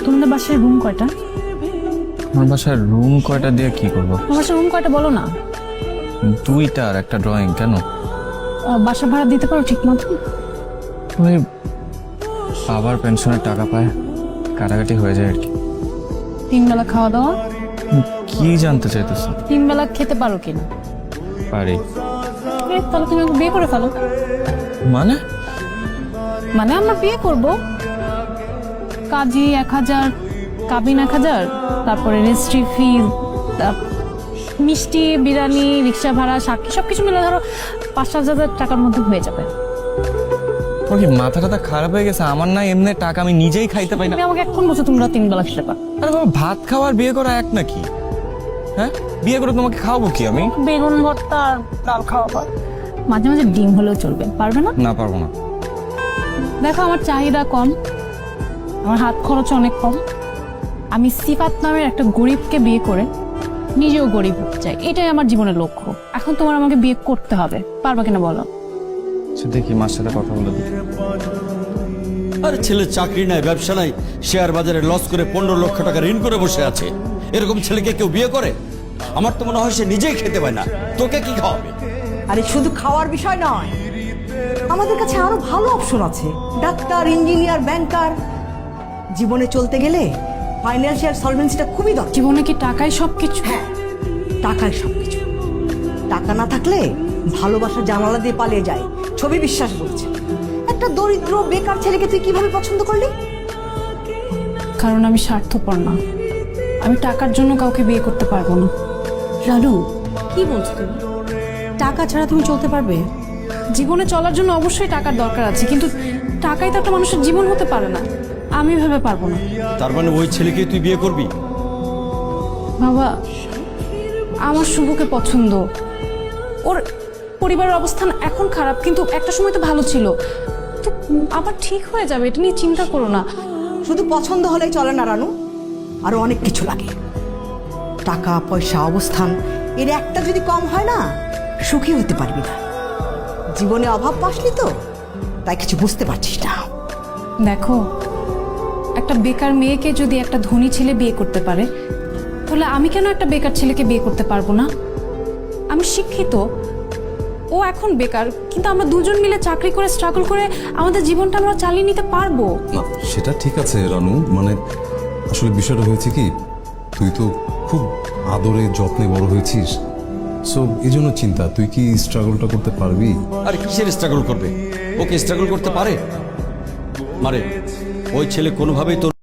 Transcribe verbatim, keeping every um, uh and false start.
তোমাদের বাসায় রুম কয়টা? আমার বাসায় রুম কয়টা দিয়ে কি করবো? তোমার বাসায় রুম কয়টা বলো না। দুইটা আর একটা ড্রয়িং। কেন? আহ, বাসা ভাড়া দিতে পারো ঠিক মতো? ওই বাবার পেনশনের টাকা পায়, কাটাকাটি হয়ে যায় আর কি। তিন বেলা খাওয়া দাওয়া? কি জানতে চাইতেছ? তিন বেলা খেতে পারো কিনা? পারি। এ, তাহলে তুমি আমাকে বিয়ে করে ফেলো। মানে? মানে আমরা বিয়ে করব, কাজী এক হাজার, কাবিন এক হাজার, তারপরে রেজিস্ট্রি ফি, মিষ্টি, বিরিয়ানি, রিক্সা ভাড়া, সাক্ষী সবকিছু মিলে ধরো পাঁচ সাত হাজার টাকার মধ্যে হয়ে যাবে। ওর কি মাথা টাথা খারাপ হয়ে গেছে? আমার না এমনি টাকা আমি নিজেই খাইতে পাই না। তুমি আমাকে এখন বলছো তোমরা তিন বেলা খেতে পারো? আরে বাবা, ভাত খাওয়ার বিয়ে করা এক নাকি? হ্যাঁ, বিয়ে করে তোমাকে খাওয়াবো কি আমি? বেগুন ভর্তা আর ডাল খাওয়াবো, মাঝে মাঝে ডিম হলেও চলবে। পারবে না? না, পারবো না। দেখো আমার চাহিদা কম, আমার হাত খরচ অনেক কম। আমি সিফাত নামের একটা গরিবকে বিয়ে করে নিজেও গরিব হতে চাই, এটাই আমার জীবনের লক্ষ্য। এখন তোমার আমাকে বিয়ে করতে হবে, পারবা কিনা বলো? আচ্ছা, দেখি মার সাথে কথা বলে দিই। আরে ছেলের চাকরি নাই, ব্যবসা নাই, শেয়ার বাজারে লস করে পনেরো লক্ষ টাকা ঋণ করে বসে আছে। এরকম ছেলেকে কেউ বিয়ে করে? আমার তো মনে হয় সে নিজেই খেতে পায় না, তোকে কি খাওয়াবে? আরে শুধু খাওয়ার বিষয় নয়, আমাদের কাছে আরো ভালো অপশন আছে। Doctor, engineer, banker. জীবনে চলতে গেলে ফাইন্যান্সিয়াল সলভেন্সিটা খুবই দরকার। জীবনে কি টাকাই সবকিছু? হ্যাঁ, টাকাই সবকিছু। টাকা না থাকলে ভালোবাসা জানালা দিয়ে পালিয়ে যায়, ছবি বিশ্বাস বলছে। একটা দরিদ্র বেকার ছেলেকে তুই কিভাবে পছন্দ করলি? কারণ আমি স্বার্থপর না, আমি টাকার জন্য কাউকে বিয়ে করতে পারবো না। রানু, কি বলছো তুমি? টাকা ছাড়া তুমি চলতে পারবে? জীবনে চলার জন্য অবশ্যই টাকার দরকার আছে, কিন্তু টাকাই তো একটা মানুষের জীবন হতে পারে না। আমি ভেবে পারবো না। তার মানে ওই ছেলেকে তুই বিয়ে করবি? বাবা, আমার শুভকে পছন্দ। ওর পরিবারের অবস্থান এখন খারাপ, কিন্তু একটা সময় তো ভালো ছিল। তো আবার ঠিক হয়ে যাবে, এটা নিয়ে চিন্তা করো না। শুধু পছন্দ হলেই চলে না রানু, আরো অনেক কিছু লাগে। টাকা পয়সা, অবস্থান, এর একটা যদি কম হয় না, সুখী হতে পারবি না। জীবনে অভাব পাসনি তো, তাই কিছু বুঝতে পারছিস না। দেখো, একটা বেকার মেয়েকে যদি একটা ধনী ছেলে বিয়ে করতে পারে, তাহলে আমি কেন একটা বেকার ছেলেকে বিয়ে করতে পারবো না? আমি শিক্ষিত, ও এখন বেকার, কিন্তু আমরা দুজন মিলে চাকরি করে স্ট্রাগল করে আমাদের জীবনটা আমরা চালিয়ে নিতে পারবো। না, সেটা ঠিক আছে রানু, মানে আসলে বিষয়টা হয়েছে কি, তুই তো খুব আদরে যত্নে বড় হয়েছিস, সো এই জন্য চিন্তা, তুই কি স্ট্রাগলটা করতে পারবি? আর কিসের স্ট্রাগল করবে? ওকে স্ট্রাগল করতে পারে? মারে, ওই ছেলে কোনোভাবেই তোর